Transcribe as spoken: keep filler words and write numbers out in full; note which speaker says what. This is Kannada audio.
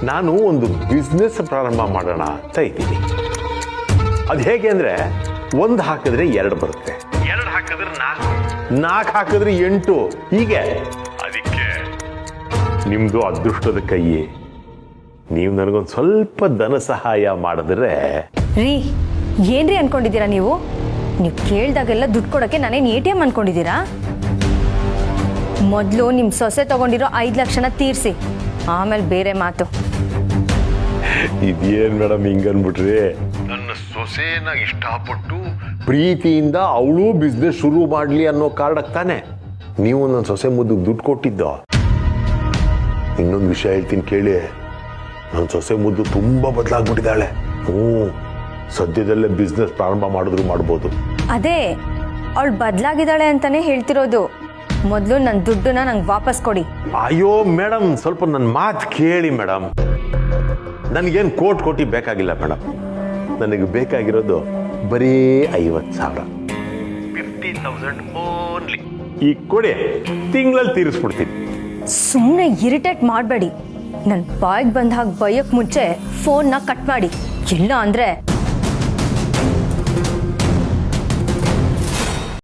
Speaker 1: ನಾನು ಒಂದು ಬಿಸ್ನೆಸ್ ಪ್ರಾರಂಭ ಮಾಡೋಣ ಅಂತ ಇದ್ದೀನಿ. ಅದು ಹೇಗೆ ಅಂದರೆ ಒಂದು ಹಾಕಿದ್ರೆ ಎರಡು ಬರುತ್ತೆ, ಎರಡು ಹಾಕಿದ್ರೆ ನಾಲ್ಕು, ನಾಲ್ಕು ಹಾಕಿದ್ರೆ ಎಂಟು, ಹೀಗೆ. ಅದಕ್ಕೆ ನಿಮ್ಮದು ಅದೃಷ್ಟದ ಕೈ. ನೀವು ನನಗೊಂದು ಸ್ವಲ್ಪ ಧನ ಸಹಾಯ ಮಾಡಿದ್ರೆ.
Speaker 2: ರೀ ಏನ್ರಿ ಅನ್ಕೊಂಡಿದ್ದೀರಾ ನೀವು? ನೀವು ಕೇಳ್ದಾಗೆಲ್ಲ ದುಡ್ಡು ಕೊಡೋಕ್ಕೆ ನಾನೇನು ಎ ಟಿ ಎಮ್ ಅನ್ಕೊಂಡಿದ್ದೀರಾ? ಮೊದಲು ನಿಮ್ಮ ಸೊಸೆ ತಗೊಂಡಿರೋ ಐದು ಲಕ್ಷನ ತೀರಿಸಿ, ಆಮೇಲೆ ಬೇರೆ ಮಾತು.
Speaker 1: ಇದೇನು ಮೇಡಮ್ ಹಿಂಗನ್ಬಿಟ್ರಿ? ನನ್ನ ಸೊಸೆನ ಇಷ್ಟಪಟ್ಟು ಪ್ರೀತಿಯಿಂದ ಅವಳು ಬಿಸ್ನೆಸ್ ಶುರು ಮಾಡಲಿ ಅನ್ನೋ ಕಾರಣಕ್ಕೆ ತಾನೆ ನೀವು ನನ್ನ ಸೊಸೆ ಮುದ್ದಿಗೆ ದುಡ್ಡು ಕೊಟ್ಟಿದ್ದು. ಇನ್ನೊಂದು ವಿಷಯ ಹೇಳ್ತೀನಿ ಕೇಳಿ, ನನ್ನ ಸೊಸೆ ಮುದ್ದು ತುಂಬ ಬದಲಾಗ್ಬಿಟ್ಟಿದ್ದಾಳೆ. ಹ್ಞೂ, ಸದ್ಯದಲ್ಲೇ ಬಿಸ್ನೆಸ್ ಪ್ರಾರಂಭ ಮಾಡಿದ್ರು ಮಾಡ್ಬೋದು.
Speaker 2: ಅದೇ ಅವಳು ಬದಲಾಗಿದ್ದಾಳೆ ಅಂತಾನೆ ಹೇಳ್ತಿರೋದು. ಮೊದಲು ನನ್ನ ದುಡ್ಡನ್ನ ನಂಗೆ ವಾಪಸ್ ಕೊಡಿ.
Speaker 1: ಅಯ್ಯೋ ಮೇಡಮ್, ಸ್ವಲ್ಪ ನನ್ನ ಮಾತು ಕೇಳಿ ಮೇಡಮ್. ನನಗೇನು ಕೋಟಿ ಕೋಟಿ ಬೇಕಾಗಿಲ್ಲ ಮೇಡಮ್. ನನಗೆ ಬೇಕಾಗಿರೋದು ಬರೀ ಐವತ್ತು ಸಾವಿರ, ಫಿಫ್ಟಿ ತೌಸಂಡ್ ಓನ್ಲಿ. ಈಗ ಕೊಡಿ, ತಿಂಗಳಲ್ಲಿ ತೀರಿಸ್ಬಿಡ್ತೀನಿ.
Speaker 2: ಸುಮ್ಮನೆ ಇರಿಟೇಟ್ ಮಾಡಬೇಡಿ. ನನ್ನ ಬಾಯಿಗೆ ಬಂದ ಹಾಗೆ ಬೈಯಕ್ಕೆ ಮುಂಚೆ ಫೋನ್ನ ಕಟ್ ಮಾಡಿ. ಇಲ್ಲ ಅಂದರೆ